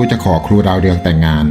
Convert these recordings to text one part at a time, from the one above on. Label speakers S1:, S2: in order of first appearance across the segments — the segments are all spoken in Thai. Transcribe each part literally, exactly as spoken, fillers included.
S1: กูจะขอครูดาวเรืองแต่งงาน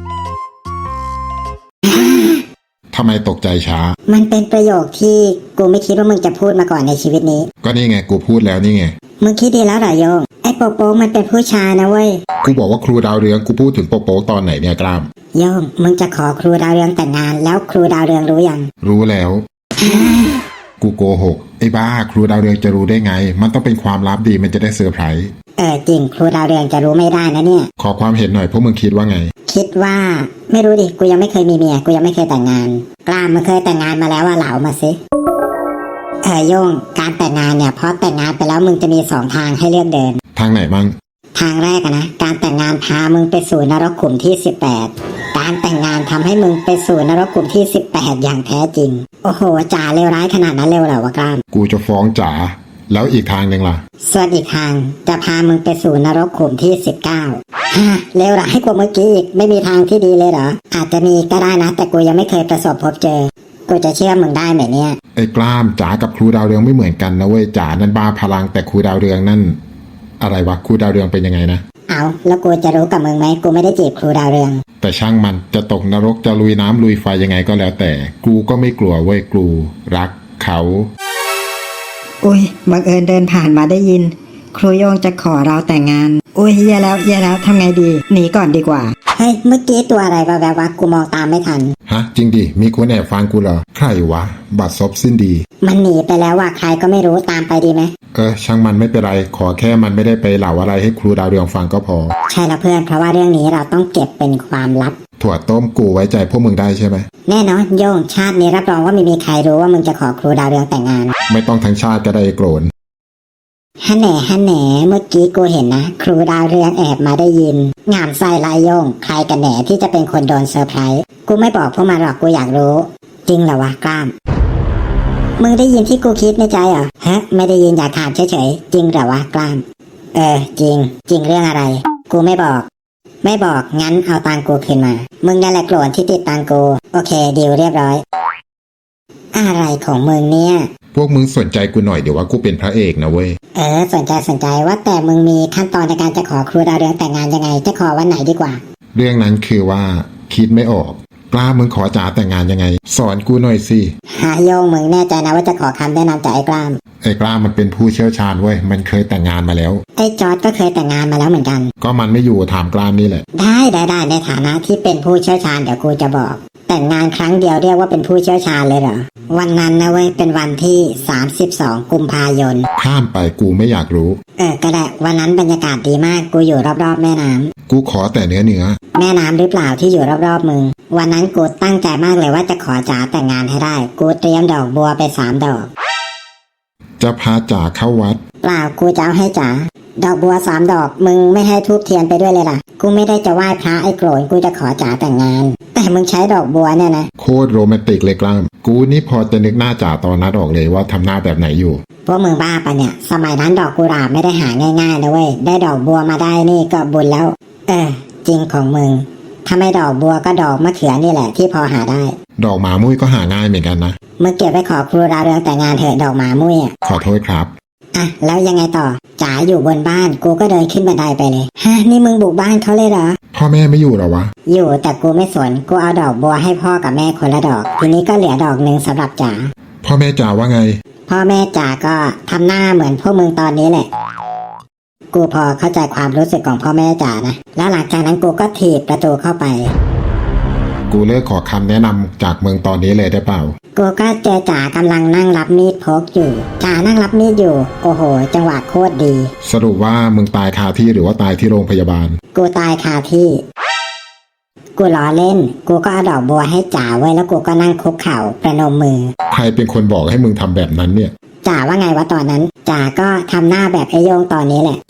S1: ทำไมตกใจช้า
S2: มันเป็นประโยคที่กูไม่คิดว่ามึงจะพูดมาก่อนในชีวิตนี้
S1: ก็นี่ไงกูพูดแล้วนี่ไง
S2: มึงคิดดีแล้วเหรอโยงไอ้โปโป๊มันเป็นผู้ชายนะเว้ย
S1: กูบอกว่าครูดาวเรืองกูพูดถึงโปโป๊ตอนไหนเนี่ยกล้าม
S2: โยงมึงจะขอครูดาวเรืองแต่งงานแล้วครูดาวเรืองรู้ยัง
S1: รู้แล้วกูโกหกไอ้บ้าครูดาวเรืองจะรู้ได้ไงมันต้องเป็นความลับดีมันจะได้เซอร์ไพรส์
S2: เออจริงครูดาวเรืองจะรู้ไม่ได้นะเนี่ย
S1: ขอความเห็นหน่อยพวกมึงคิดว่าไง
S2: คิดว่าไม่รู้ดิกูยังไม่เคยมีเมียกูยังไม่เคยแต่งงานกล้ามมึงเคยแต่งงานมาแล้วว่าเหลามาสิเออโยงการแต่งงานเนี่ยพอแต่งงานไปแล้วมึงจะมีสองทางให้เลือกเดิน
S1: ทางไหนบ้าง
S2: ทางแรกนะการแต่งงานพามึงไปสู่นรกขุมที่สิบแปดการแต่งงานทำให้มึงไปสู่นรกขุมที่สิบแปดอย่างแท้จริงโอ้โหจ๋าเลวร้ายขนาดนั้นเลวเหรอวะกล้าม
S1: กูจะฟ้องจ๋าแล้วอีกทางหนึ่งล่ะ
S2: ส่วนอีกทางจะพามึงไปสู่นรกขุมที่สิบเก้าฮะเลวร้ายกว่าเมื่อกี้อีกไม่มีทางที่ดีเลยเหรออาจจะมีก็ได้นะแต่กูยังไม่เคยประสบพบเจอกูจะเชื่อมึงได้ไหมเนี่ย
S1: ไอ้กล้ามจ๋ากับครูดาวเรืองไม่เหมือนกันนะเว้ยจ๋านั่นบ้าพลังแต่ครูดาวเรืองนั่นอะไรวะครูดาวเรืองเป็นยังไงนะ
S2: เอาแล้วกูจะรู้กับมึงไหมกูไม่ได้จีบครูดาวเรือง
S1: แต่ช่างมันจะตกนรกจะลุยน้ำลุยไฟยังไงก็แล้วแต่กูก็ไม่กลัวเว้ยกูรักเขา
S3: อุ้ยบังเอิญเดินผ่านมาได้ยินครูโยงจะขอเราแต่งงานอุ้ยแย่แล้วแย่แล้วทำไงดีหนีก่อนดีกว่า
S2: เฮ้ยเมื่อกี้ตัวอะไรวะแบบว่ากูมองตามไม่ทัน
S1: ฮะจริงดิมีคนแอบฟังกูเหรอใครวะบัดซบสิ้นดี
S2: มันหนีไปแล้วว่ะใครก็ไม่รู้ตามไปดีไหม
S1: เออช่างมันไม่เป็นไรขอแค่มันไม่ได้ไปเหล่าอะไรให้ครูดาวเรืองฟังก็พอ
S2: ใช่แล้วเพื่อนเพราะว่าเรื่องนี้เราต้องเก็บเป็นความลับ
S1: ถั่วต้มกูไว้ใจพวกมึงได้ใช่ไหม
S2: แน่นอนโยงชาตินี้รับรองว่าไม่มีใครรู้ว่ามึงจะขอครูดาวเรืองแต่งงาน
S1: ไม่ต้องทั้งชาติก็ได้โกรธ
S2: ฮันแหน่ฮันแหน่เมื่อกี้กูเห็นนะครูดาวเรืองแอบมาได้ยินงามไส้ลายโยงใครกันแหน่ที่จะเป็นคนโดนเซอร์ไพรส์กูไม่บอกพวกมันหรอกกูอยากรู้จริงเหรอวะกล้ามมึงได้ยินที่กูคิดในใจเหรอฮะไม่ได้ยินอยากถามเฉยๆจริงเหรอวะกล้ามเออจริงจริงเรื่องอะไรกูไม่บอกไม่บอกงั้นเอาตังกูคืนมามึงนั่นแหละโกรธที่ติดตังกูโอเคดีลเรียบร้อยอะไรของมึงเนี่ย
S1: พวกมึงสนใจกูหน่อยเดี๋ยวว่ากูเป็นพระเอกนะเว้ย
S2: เออสนใจสนใจว่าแต่มึงมีขั้นตอนในการจะขอครูดาวเรืองแต่งงานยังไงจะขอวันไหนดีกว่า
S1: เรื่องนั้นคือว่าคิดไม่ออกกล้ามึงขอจ๋าแต่งงานยังไงสอนกูหน่อยสิ
S2: ฮาโยงมึงแน่ใจนะว่าจะขอคำแนะนำจากไอ้กล้าม
S1: ไอ้กล้ามมันเป็นผู้เชี่ยวชาญเว้ยมันเคยแต่งงานมาแล้ว
S2: ไอ้จอร์จก็เคยแต่งงานมาแล้วเหมือนกัน
S1: ก็มันไม่อยู่ถามกล้ามนี่แหละ
S2: ได้ได้ได้ในฐานะที่เป็นผู้เชี่ยวชาญเดี๋ยวกูจะบอกแต่งงานครั้งเดียวเรียกว่าเป็นผู้เชี่ยวชาญเลยเหรอวันนั้นนะเว้ยเป็นวันที่สามสิบสองกุมภายน
S1: ข้ามไปกูไม่อยากรู้
S2: เออก็ได้วันนั้นบรรยากาศดีมากกูอยู่รอบๆแม่น้ำ
S1: กูขอแต่เนื้อเนื้อ
S2: แม่น้ำหรือเปล่าที่อยู่รอบๆมึงวันนั้นกูตั้งใจมากเลยว่าจะขอจ๋าแต่งงานให้ได้กูเตรียมดอกบัวไปสามดอก
S1: จะพาจ๋าเข้าวัด
S2: เปล่ากูจะเอาให้จ๋าดอกบัวสามดอกมึงไม่ให้ทูบเทียนไปด้วยเลยล่ะกูไม่ได้จะไหว้พระไอ้โกรธกูจะขอจ๋าแต่งงานแต่มึงใช้ดอกบัวเนี่ยนะ
S1: โคตรโรแมนติกเลยกล้ามกูนี่พอจะนึกหน้าจ๋าตอนนั้นออกเลยว่าทำหน้าแบบไหนอยู่
S2: พวกมึงบ้าปะเนี่ยสมัยนั้นดอกกุหลาบไม่ได้หาง่ายๆนะเว้ยได้ดอกบัวมาได้นี่ก็บุญแล้วเออจริงของมึงถ้าไม่ดอกบัวก็ดอกมะเขือนี่แหละที่พอหาได้
S1: ดอกหมามุ้ยก็หาง่ายเหมือนกันนะ
S2: มึงเก็บไปขอครูดาวเรืองแต่งงานเถอะดอกหมามุ้ยอ่ะ
S1: ขอโทษครับ
S2: อ่ะแล้วยังไงต่อจ๋าอยู่บนบ้านกูก็เดินขึ้นบันไดไปเลยฮะนี่มึงบุกบ้านเขาเลยเหรอ
S1: พ่อแม่ไม่อยู่หรอวะ
S2: อยู่แต่กูไม่สนกูเอาดอกบัวให้พ่อกับแม่คนละดอกทีนี้ก็เหลือดอกนึงสำหรับจ๋า
S1: พ่อแม่จ๋าว่าไง
S2: พ่อแม่จ๋าก็ทำหน้าเหมือนพวกมึงตอนนี้แหละกูพอเข้าใจความรู้สึกของพ่อแม่จ๋านะแล้วหลังจากนั้นกูก็ถีบประตูเข้าไป
S1: กูเลิกขอคำแนะนำจากเมืองตอนนี้เลยได้เปล่า
S2: กูก็เจอจ๋ากำลังนั่งรับมีดพกอยู่จ๋านั่งรับมีดอยู่โอ้โหจังหวะโคตรดี
S1: สรุปว่ามึงตายคาที่หรือว่าตายที่โรงพยาบาล
S2: กูตายคาที่กูล้อเล่นกูก็เอาดอกบัวให้จ๋าไว้แล้วกูก็นั่งคุกเข่าประนมมือ
S1: ใครเป็นคนบอกให้มึงทำแบบนั้นเนี่ย
S2: จ๋าว่าไงวะตอนนั้นจ๋าก็ทำหน้าแบบไอ้โยงตอนนี้แหละ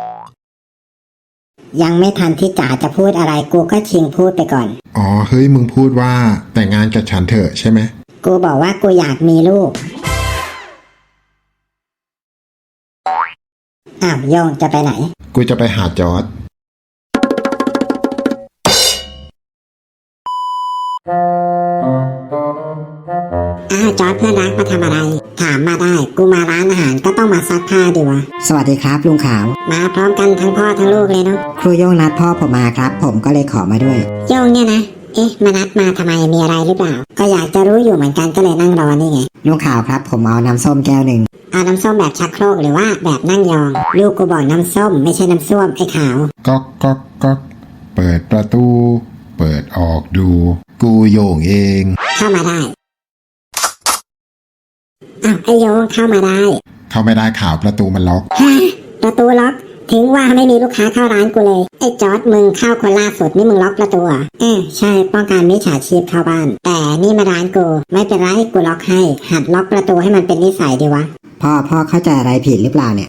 S2: ยังไม่ทันที่จ๋าจะพูดอะไรกูก็ชิงพูดไปก่อน
S1: อ๋อเฮ้ยมึงพูดว่าแต่งงานกับฉันเถอะใช่ไหม
S2: กูบอกว่ากูอยากมีลูกอ้าวโยงจะไปไหน
S1: กูจะไปหาจอร์จ
S2: อ้าวจอร์ดเพื่อนรักมาทำอะไรถามมาได้กูมาร้านอาหารก็ต้องมาซักผ้าดิวะ
S3: สวัสดีครับลุงขาว
S2: มาพร้อมกันทั้งพ่อทั้งลูกเลยเนาะ
S3: ครูโย่งนัดพ่อผมมาครับ ผมก็เลยขอมาด้วย
S2: โย่งเนี่ยนะเอ๊ะมานัดมาทำไมมีอะไรหรือเปล่าก็อยากจะรู้อยู่เหมือนกันก็เลยนั่งรอนี่ไง
S3: ลุงขาวครับ ผมเอาน้ำส้มแก้วหนึ่ง
S2: เอาน้ำส้มแบบชักโครกหรือว่าแบบนั่งยองลูกกูบอกน้ำส้มไม่ใช่น้ำส้วมไอ้ขาว
S1: ก๊อกก๊อกก๊อกเปิดประตู เปิดออกดู กูโยงเอง
S2: เข้ามาได้อ้าวไอ้โยงเข้ามาได้
S1: เข้าไม่ได้ข่าวประตูมันล็อก
S2: ฮะประตูล็อกถึงว่าไม่มีลูกค้าเข้าร้านกูเลยไอ้จอร์ดมึงเข้าคนล่าสุดนี่มึงล็อกประตูเหรอ่ะเออใช่ป้องกันมิจฉาชีพเข้าบ้าน แต่นี่มาร้านกูไม่เป็นไรกูล็อกให้หัดล็อกประตูให้มันเป็นนิสัยดีวะ
S3: พ่อพ่อเข้าใจอะไรผิดหรือเปล่าเนี่ย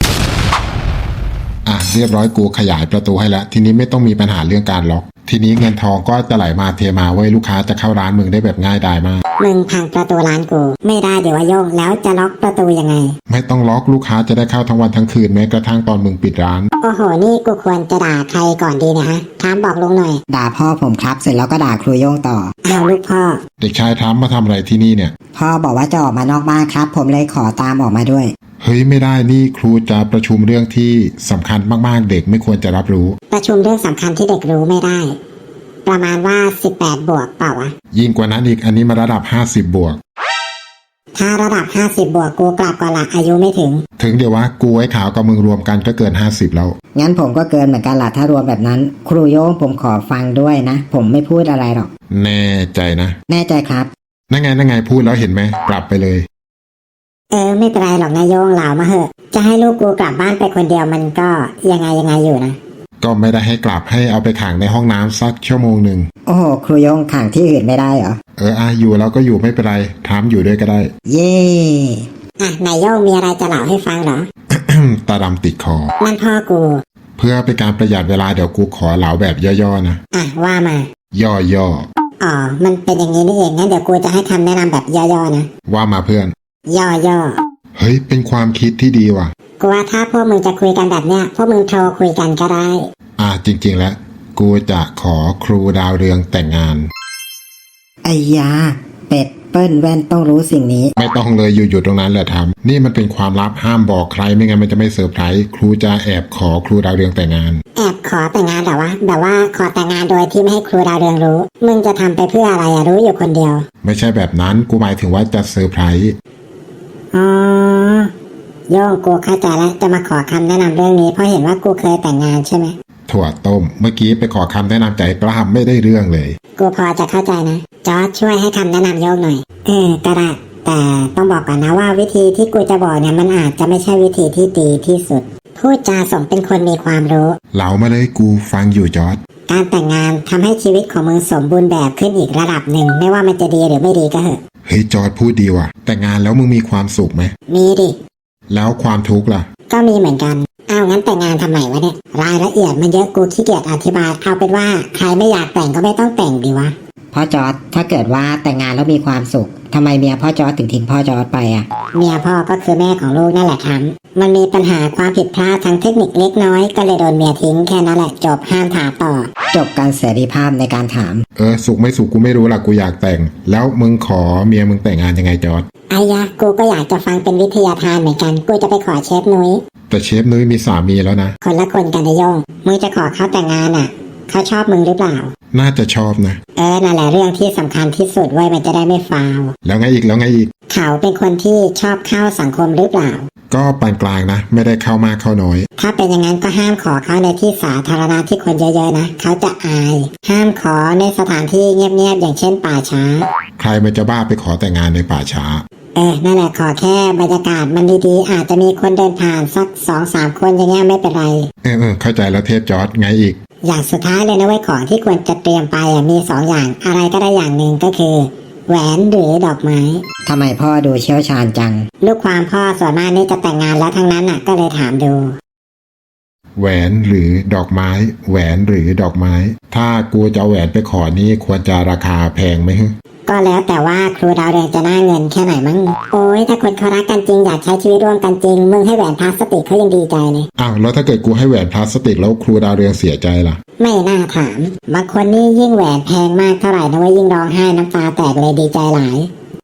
S1: อ่ะเรียบร้อยกูขยายประตูให้แล้ว ทีนี้ไม่ต้องมีปัญหาเรื่องการล็อก ทีนี้เงินทองก็จะไหลมาเทมาไว้ยลูกค้าจะเข้าร้านมึงได้แบบง่ายดายมาก
S2: มึงพังประตูร้านกูไม่ได้เดี๋ยวว่าโยงแล้วจะล็อกประตูยังไง
S1: ไม่ต้องล็อกลูกค้าจะได้เข้าทั้งวันทั้งคืนแม้กระทั่งตอนมึงปิดร้าน
S2: โอ้โหนี่กูควรจะด่าใครก่อนดีเนะฮะถามบอกลุงหน่อย
S3: ด่าพ่อผมครับ เสร็จแล้วก็ด่าครูโย่งต่อ
S2: เอาลูกพ่อ
S1: เด็กชายทามมาทำอะไรที่นี่เนี่ย
S3: พ่อบอกว่าจะออกมานอกบ้านครับ ผมเลยขอตามออกมาด้วย
S1: เฮ้ยไม่ได้นี่ครูจะประชุมเรื่องที่สำคัญมากๆเด็กไม่ควรจะรับรู้
S2: ประชุมเรื่องสำคัญที่เด็กรู้ไม่ได้ ประมาณว่าสิบแปดบวกเปล่าวะ
S1: ยิ่งกว่านั้นอีกอันนี้มาระดับห้าสิบบวก
S2: ถ้าระดับห้าสิบบวกกูกลับก่อนละอายุไม่ถึง
S1: ถึงเดี๋ยววะกูไอ้ขาวกับมึงรวมกันก็เกินห้าสิบแล้ว
S3: งั้นผมก็เกินเหมือนกันล่ะถ้ารวมแบบนั้น ครูโย่งผมขอฟังด้วยนะ ผมไม่พูดอะไรหรอก
S1: แน่ใจนะ
S3: แน่ใจครับ
S1: นั่นไงนั่นไงพูดแล้วเห็นไหมกลับไปเลย
S2: เออไม่เป็นไรหรอกนายโยงเหล่ามาเหอะ จะให้ลูกกูกลับบ้านไปคนเดียวมันก็ยังไงยังไงอยู่นะ
S1: ก็ไม่ได้ให้กลับให้เอาไปขังในห้องน้ำสักชั่วโมงหนึ่ง
S3: โอ้โหครูโย่งขังที่อื่นไม่ได้เหรอ
S1: เอออ่ะอยู่แล้วก็อยู่ไม่เป็นไรถามอยู่ด้วยก็ได้
S3: เย่
S2: อ่ะนายโยงมีอะไรจะเล่าให้ฟังเหรอ
S1: ตาดำติดคอ
S2: นั่นพ่อกู
S1: เพื่อเป็นการประหยัดเวลาเดี๋ยวกูขอเหลาแบบย่อๆนะ
S2: อ่ะว่ามา
S1: ย่อ
S2: อ๋อมันเป็นอย่างนี้นี่เองงั้นเดี๋ยวกูจะให้คำแนะนำแบบย่อๆนะ
S1: ๆว่ามาเพื่อน
S2: ย่อ
S1: เฮ้ยเป็นความคิดที่ดีว่ะ
S2: ๆกูว่าถ้าพวกมึงจะคุยกันแบบเนี้ยพวกมึงโทรคุยกันก็ได้
S1: อ่ะจริงๆแล้วกูจะขอครูดาวเรืองแต่งงาน
S3: ไอ้ยาเป็ดเปิ้ลแว่นต้องรู้สิ่งนี้
S1: ไม่ต้องเลยอยู่ๆตรงนั้นแหละทำนี่มันเป็นความลับห้ามบอกใครไม่งั้นมันจะไม่เซอร์ไพรส์ครูจะแอบขอครูดาวเรืองแต่งงาน
S2: แอบขอแต่งงานแต่ว่าแบบว่าขอแต่งงานโดยที่ไม่ให้ครูดาวเรืองรู้ มึงจะทำไปเพื่ออะไรอะรู้อยู่คนเดียว
S1: ไม่ใช่แบบนั้นกูหมายถึงว่าจะเซอร์ไพรส์
S2: อ๋อโย่งกูเข้าใจแล้วจะมาขอคำแนะนำเรื่องนี้เพราะเห็นว่ากูเคยแต่งงานใช่ไหม
S1: ถั่วต้มเมื่อกี้ไปขอคำแนะนำใจกล้ามไม่ได้เรื่องเลย
S2: กูพอจะเข้าใจนะจอร์จช่วยให้คำแนะนำโย่งหน่อยเออก็ได้แต่ต้องบอกก่อนนะว่าวิธีที่กูจะบอกเนี่ยมันอาจจะไม่ใช่วิธีที่ดีที่สุดพูดจาสมเป็นคนมีความรู้
S1: เหลามาเลยกูฟังอยู่จอร์ด
S2: การแต่งงานทำให้ชีวิตของมึงสมบูรณ์แบบขึ้นอีกระดับหนึ่งไม่ว่ามันจะดีหรือไม่ดีก็เหอะ
S1: เฮ้ยจอร์ดพูดดีว่ะแต่งงานแล้วมึงมีความสุขไหม
S2: มีดิ
S1: แล้วความทุกข์ล่ะ
S2: ก็มีเหมือนกันอ้าวงั้นแต่งงานทำไมวะเนี่ยรายละเอียดมันเยอะกูขี้เกียจอธิบายเอาเป็นว่าใครไม่อยากแต่งก็ไม่ต้องแต่งดีวะ
S3: พ่อจอร์ดถ้าเกิดว่าแต่งงานแล้วมีความสุขทำไมเมียพ่อจอร์ดถึงทิ้งพ่อจอร์ดไปอ่ะ
S2: เมียพ่อก็คือแม่ของลูกนั่นแหละครับมันมีปัญหาความผิดพลาดทางเทคนิคเล็กน้อยก็เลยโดนเมียทิ้งแค่นั้นแหละจบห้ามถามต่อ
S3: จบการเสรีภาพในการถาม
S1: เออสุขไม่สุขกูไม่รู้ล่ะกูอยากแต่ง แล้วมึงขอเมียมึงแต่งงานยังไงจอร์ด
S2: ไอ้ยะกูก็อยากจะฟังเป็นวิทยาทานเหมือนกันกูจะไปขอเชฟนุ้ย
S1: แต่เชฟนุ้ยมีสามีแล้วนะ
S2: คนละคนกันนะโยงมึงจะขอเขาแต่งงานอ่ะเขาชอบมึงหรือเปล่า
S1: น่าจะชอบนะ
S2: เออนั่นแหละเรื่องที่สำคัญที่สุดไว้ยมันจะได้ไม่ฟาว
S1: แล้วไงอีกแล้วไงอีก
S2: เขาเป็นคนที่ชอบเข้าสังคมหรือเปล่า
S1: ก็ปานกลางนะ ไม่ได้เข้ามากเข้าน้อย
S2: ถ้าเป็นอย่างนั้นก็ห้ามขอเขาในที่สาธารณะที่คนเยอะๆนะเขาจะอาย ห้ามขอในสถานที่เงียบๆอย่างเช่นป่าช้า
S1: ใครมันจะบ้าไปขอแต่งงานในป่าช้า
S2: เออนั่นแหละขอแค่บรรยากาศมันดีๆอาจจะมีคนเดินผ่านสักสองสามคนอย่างเงี้ยไม่เป็นไร
S1: เออเออเข้าใจแล้วเทพจอร์ดไงอีก
S2: อย่างสุดท้ายเลยนะเว้ยของที่ควรจะเตรียมไปอ่ะมีสองอย่างอะไรก็ได้อย่างหนึ่งก็คือ แหวนหรือดอกไม้
S3: ทำไมพ่อดูเชี่ยวชาญจัง
S2: ลูกความพ่อส่วนมากนี่จะแต่งงานแล้วทั้งนั้นอ่ะก็เลยถามดู
S1: แหวนหรือดอกไม้ แหวนหรือดอกไม้ ถ้ากูจะเอาแหวนไปขอนี่ควรจะราคาแพงไหมฮึ
S2: ก็แล้วแต่ว่าครูดาวเรืองจะน่าเงินแค่ไหนมั้งโอ้ยถ้าคนเขารักกันจริงอยากใช้ชีวิตร่วมกันจริงมึงให้แหวนพลาสติกเขายังดีใจเลย
S1: อ้าวแล้วถ้าเกิดกูให้แหวนพลาสติกแล้วครูดาวเรืองเสียใจล่ะ
S2: ไม่น่าถามบางคนนี่ยิ่งแหวนแพงมากเท่าไหร่นะเว่ายิ่งร้องไห้น้ำตาแตกเลยดีใจหลาย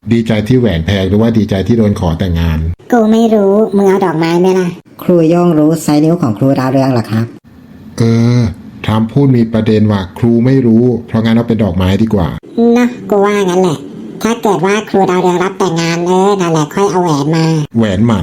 S1: ดีใจที่แหวนแพงหรือว่าดีใจที่โดนขอแต่งงาน
S2: กูไม่รู้มึงเอาดอกไม้ไหมล่ะ
S3: ครูโย่งรู้ไซส์นิ้วของครูดาวเรืองเหรอครับ
S1: เออทำพูดมีประเด็นว่าครูไม่รู้ เพราะงั้นเอาเป็นดอกไม้ดีกว่า
S2: เนาะกูว่างั้นแหละ ถ้าเกิดว่าครูดาวเรืองรับแต่งงานเออนั่นแหละค่อยเอาแหวนมา
S1: แหวนหมัน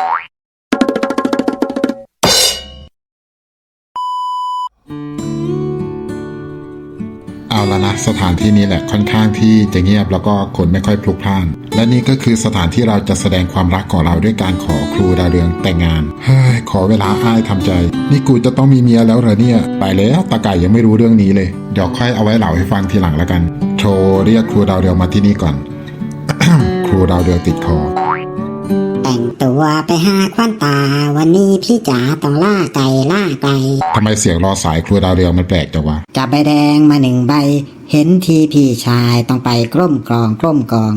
S1: เอาละนะสถานที่นี้แหละค่อนข้างที่จะเงียบแล้วก็คนไม่ค่อยพลุกพล่าน และนี่ก็คือสถานที่เราจะแสดงความรักของเราด้วยการขอครูดาวเรืองแต่งงาน เฮ้ยขอเวลาอ้ายทำใจ นี่กูจะต้องมีเมียแล้วเหรอเนี่ย ไปแล้วตาไก่ยังไม่รู้เรื่องนี้เลย เดี๋ยวค่อยเอาไว้เล่าให้ฟังทีหลังแล้วกัน โทรเรียกครูดาวเรืองมาที่นี่ก่อน ครูดาวเรืองติดคอ
S2: แต่งตัวไปหาควันตา วันนี้พี่จ๋าต้องล่าไก่ล่าไก่
S1: ทำไมเสียงรอสายครูดาวเรืองมันแปลกจังวะ
S3: จับใบแดงมาหนึ่งใบ เห็นทีพี่ชายต้องไปกล้มกรองกล้มกรอง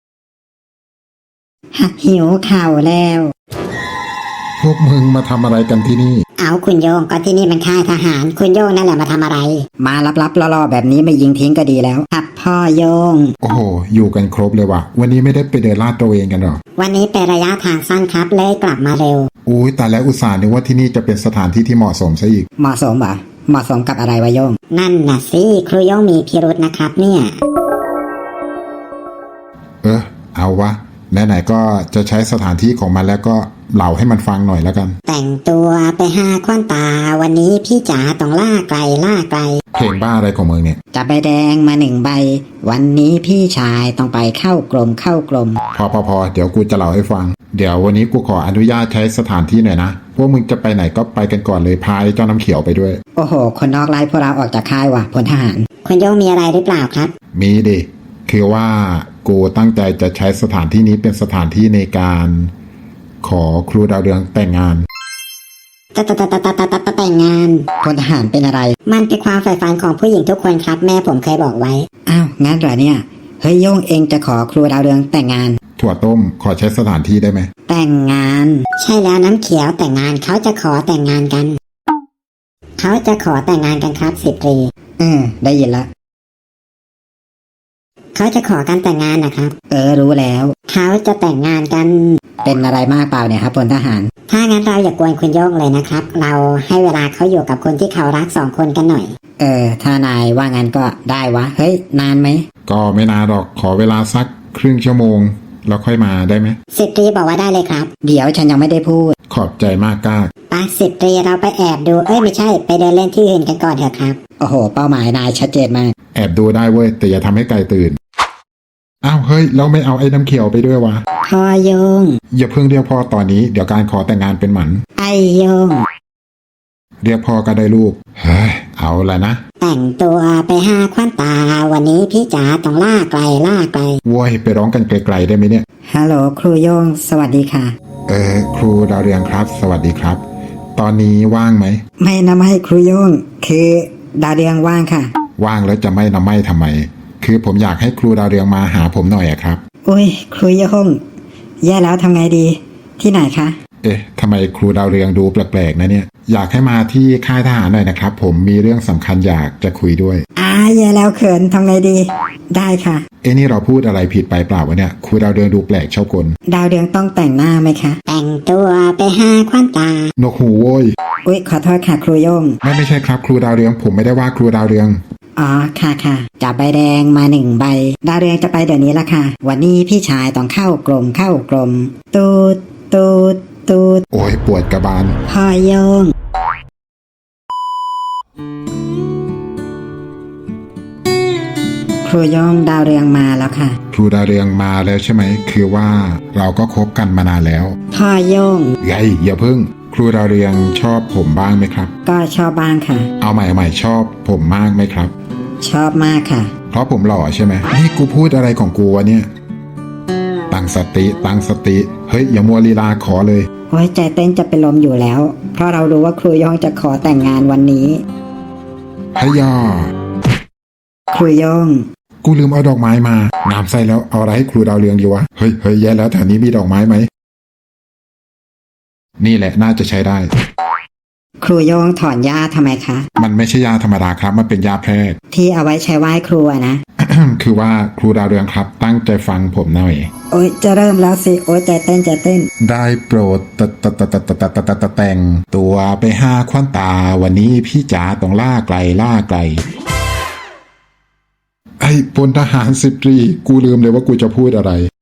S3: ฮะหิวข่าวแล้ว
S1: พวกมึงมาทำอะไรกันที่นี่
S2: เอาคุณโยงก็ที่นี่มันค่ายทหาร คุณโยงนั่นแหละมาทำอะไร
S3: มาลับๆล่อๆแบบนี้ไม่ยิงทิ้งก็ดีแล้วครับพ่อโยง
S1: โอ้โห อยู่กันครบเลยว่ะ วันนี้ไม่ได้ไปเดินลาดตระเวนกันหรอ
S2: วันนี้เป็นระยะทางสั้นครับเลยกลับมาเร็ว
S1: อุ้ยแต่แล้วอุตส่าห์นึกว่าที่นี่จะเป็นสถานที่ที่เหมาะสมซะอีก
S3: เหมาะสมเหรอเหมาะสมกับอะไรวะโยง
S2: นั่นน่ะสิครูโยงมีพิรุษนะครับเนี่ย
S1: เออ เอาวะ ไหนๆก็จะใช้สถานที่ของมันแล้วก็เล่าให้มันฟังหน่อยแล้วกัน
S2: แต่งตัวไปหาควันตา วันนี้พี่จ๋าต้องล่าไก่ล่าไก่
S1: เพลงบ้าอะไรของมึงเนี่ย
S3: จับใบแดงมาหนึ่งใบ วันนี้พี่ชายต้องไปเข้ากรมเข้ากรม
S1: พอพอพอเดี๋ยวกูจะเล่าให้ฟัง เดี๋ยววันนี้กูขออนุญาตใช้สถานที่หน่อยนะ พวกมึงจะไปไหนก็ไปกันก่อนเลยพายเจ้าน้ำเขียวไปด้วย
S3: โอ้โห คนนอกไล่พวกเราออกจากค่ายว่ะพลทหาร
S2: คุณโยงมีอะไรหรือเปล่าครับ
S1: มีดิ คือว่ากูตั้งใจจะใช้สถานที่นี้เป็นสถานที่ในการ ขอครูดาวเรืองแต่งงาน
S2: ตะตะตะตะตะตะตะตะแต่งงาน
S3: พลทหารเป็นอะไร
S2: มันเป็นความใฝ่ฝันของผู้หญิงทุกคนครับ แม่ผมเคยบอกไว้
S3: อ้าวงั้นเหรอเนี่ย เฮ้ยโย่งเองจะขอครูดาวเรืองแต่งงาน
S1: ถั่วต้มขอใช้สถานที่ได้ไหม
S3: แต่งงาน
S2: ใช่แล้วน้ำเขียวแต่งงานเขาจะขอแต่งงานกัน เขาจะขอแต่งงานกันครับสิบตรี
S3: เออได้ยินละ
S2: เขาจะขอการแต่งงานนะครับ
S3: เออรู้แล้ว
S2: เขาจะแต่งงานกัน
S3: เป็นอะไรมากเปล่าเนี่ยครับพลทหาร
S2: ถ้างั้นเราอย่ากวนคุณโย่งเลยนะครับ เราให้เวลาเขาอยู่กับคนที่เขารักสองคนกันหน่อย
S3: เออ ถ้านายว่างั้นก็ได้วะ เฮ้ย นานไหม
S1: ก็ไม่นานหรอกขอเวลาสักครึ่งชั่วโมง แล้วค่อยมาได้ไหม
S2: สิบตรีบอกว่าได้เลยครับ
S3: เดี๋ยวฉันยังไม่ได้พูด
S1: ขอบใจมากก้า
S2: ไปสิบตรีเราไปแอบดู เอ้ยไม่ใช่ ไปเดินเล่นที่อื่นกันก่อนเถอะครับ
S3: โอ้โห เป้าหมายนายชัดเจนมาก
S1: แอบดูได้เว้ยแต่อย่าทำให้ไก่ตื่น อ้าวเฮ้ยเราไม่เอาไอ้น้ำเขียวไปด้วยวะ
S2: พ่อโยง
S1: อย่าเพิ่งเรียกพ่อตอนนี้เดี๋ยวการขอแต่งงานเป็นหมัน
S2: ไอโยง
S1: เรียกพ่อก็ได้ลูก เฮ้ย เอาละนะ
S2: แต่งตัวไปหาควันตา วันนี้พี่จ๋าต้องล่าไกลล่าไกล
S1: โว้ยไปร้องกันไกลๆได้ไหมเนี่ย
S3: ฮัลโหลครูโย่งสวัสดีค่ะ
S1: เออครูดาวเรืองครับ สวัสดีครับ ตอนนี้ว่างไหม
S3: ไม่นะไม่ครูโย่งคือดาวเรืองว่างค่ะ
S1: ว่างแล้วจะไม่นะไม่ทำไม คือผมอยากให้ครูดาวเรืองมาหาผมหน่อยอะครับ
S3: อุ้ยครูโย่งแย่แล้วทำไงดี ที่ไหนคะ
S1: เอ๊ะทำไมครูดาวเรืองดูแปลกๆนะเนี่ย อยากให้มาที่ค่ายทหารหน่อยนะครับ ผมมีเรื่องสำคัญอยากจะคุยด้วย
S3: อ่าแย่แล้วเขินทำไงดี ได้ค่ะ
S1: เอ๊ะนี่เราพูดอะไรผิดไปเปล่าวะเนี่ยครูดาวเรืองดูแปลกชอบกล
S3: ดาวเรืองต้องแต่งหน้าไหมคะ
S2: แต่งตัวไปหาควันตา
S1: นกหูโว้ย
S3: อุ้ยขอโทษค่ะครูโย่ง
S1: ไม่ไม่ใช่ครับครูดาวเรืองผมไม่ได้ว่าครูดาวเรือง
S3: อ๋อค่ะค่ะจับใบแดงมาหนึ่งใบ ดาวเรืองจะไปเดี๋ยวนี้ละค่ะ วันนี้พี่ชายต้องเข้ากรมเข้ากรม ตูดตูดตูด
S1: โอ้ยปวดกระบาล
S3: พ่อโยง ครูโยงดาวเรืองมาแล้วค่ะ
S1: ครูดาวเรืองมาแล้วใช่ไหมคือว่าเราก็คบกันมานานแล้ว
S3: พ่อโยง
S1: ไงอย่าเพิ่ง ครูดาวเรืองชอบผมบ้างไหมครับ
S3: ก็ชอบบ้างค่ะ
S1: เอาใหม่เอาใหม่ชอบผมมากไหมครับ
S3: ชอบมากค่ะ
S1: เพราะผมหล่อใช่ไหมนี่กูพูดอะไรของกูวะเนี่ยตั้งสติตั้งสติเฮ้ยอย่ามัวลีลาขอเลย
S3: โอ้ยใจเต้นจะเป็นลมอยู่แล้ว เพราะเรารู้ว่าครูโยงจะขอแต่งงานวันนี้
S1: ฮยา
S3: ครูโยง
S1: กูลืมเอาดอกไม้มางามไส้แล้วเอาอะไรให้ครูดาวเรืองดีวะเฮ้ยเฮ้ยแย่แล้วแถวนี้มีดอกไม้ไหมนี่แหละน่าจะใช้ได้
S3: ครูโยงถอนหญ้าทำไมคะ
S1: มันไม่ใช่ยาธรรมดาครับมันเป็นยาแพทย์
S3: ที่เอาไว้ใช้ไหว้ครูอะนะ
S1: คือว่าครูดาวเรืองครับตั้งใจฟังผมหน่อย
S3: โอ๊ยจะเริ่มแล้วสิโอ๊ยใจเต้นใจเต้น
S1: ได้โปรดตะตะตะตะตะตะตะตะตะแต่งตัวไปห้าควันตาวันนี้พี่จ๋าต้องล่าไกลล่าไกล ไอ้พลทหารสิบตรีกูลืมเลยว่ากูจะพูดอะไร